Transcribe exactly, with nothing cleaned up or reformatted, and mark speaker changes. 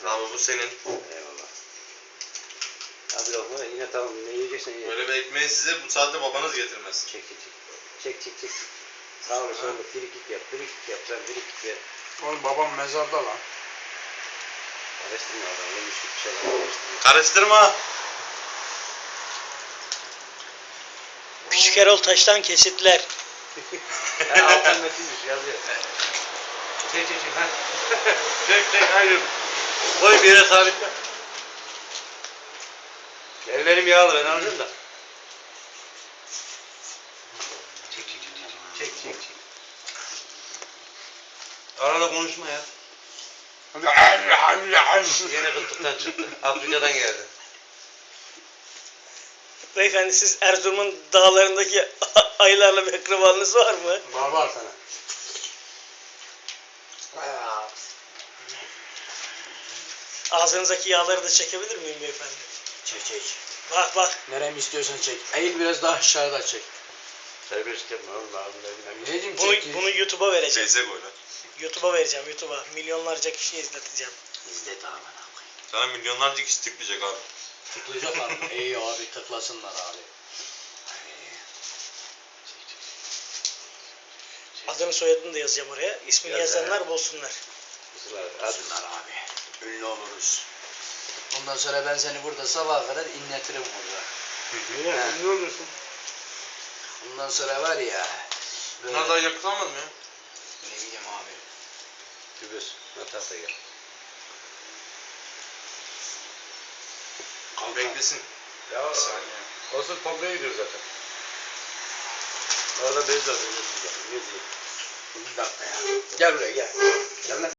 Speaker 1: Abi bu senin.
Speaker 2: Eyvallah. Abi lokma yine tamam, ne yiyeceksen ye.
Speaker 1: Böyle bir ekmeği size bu saatte babanız getirmez.
Speaker 2: Çek çek çek. Çek çek çek. Sağ ol sol ol. Frikik yap. Frikik yap. Sen frikik ver.
Speaker 3: Oğlum babam mezarda lan.
Speaker 2: Karıştırma adam. Yemiş bir şeyler karıştırma.
Speaker 1: Karıştırma.
Speaker 4: Küçük Erol Taş'tan kesitler.
Speaker 2: Ha, altın metinmiş yazıyor. Çek çek çek. Ha. Çek çek hayır. Koy bir yere sabitle. Ellerim yağlı, ben alacağım da. Çek çek çek çek. Çek çek çek. Arada konuşma ya. Yine kıtlıktan çıktı. Afrika'dan geldi.
Speaker 4: Beyefendi siz Erzurum'un dağlarındaki ayılarla bir akrabalığınız var mı?
Speaker 3: Var var sana.
Speaker 4: Ağzınızdaki yağları da çekebilir miyim beyefendi?
Speaker 3: Çek çek.
Speaker 4: Bak bak.
Speaker 3: Neremi istiyorsan çek. Eğil biraz daha aşağıda çek.
Speaker 2: Serbest yapma oğlum abi.
Speaker 3: Ne diyeyim
Speaker 4: Bunu,
Speaker 3: çek.
Speaker 4: bunu YouTube'a vereceğim.
Speaker 1: Şeyse koy lan.
Speaker 4: YouTube'a vereceğim YouTube'a. Milyonlarca kişiye izleteceğim.
Speaker 3: İzlet abi.
Speaker 1: Sana milyonlarca kişi tıklayacak abi.
Speaker 3: Tıklayacaklar mı? İyi abi tıklasınlar abi.
Speaker 4: Adını soyadını da yazacağım oraya. İsmini
Speaker 2: Yaz
Speaker 4: yazanlar bulsunlar.
Speaker 3: Tıklasınlar abi. Ünlü oluruz. Ondan sonra ben seni burada sabaha kadar inletirim burada.
Speaker 2: Yine ne olursun?
Speaker 3: Ondan sonra var ya. Böyle,
Speaker 1: Bunlar daha yakıtlanmadı mı ya?
Speaker 3: ne bileyim abi.
Speaker 2: Kübüs. Natasya gel.
Speaker 1: Abi beklesin.
Speaker 2: Ya
Speaker 1: Bir saniye.
Speaker 2: olsun komple gidiyor zaten. Orada bez de atıyorsun. Ne diyeyim?
Speaker 3: Bir dakika ya. Gel buraya gel. Gel lan.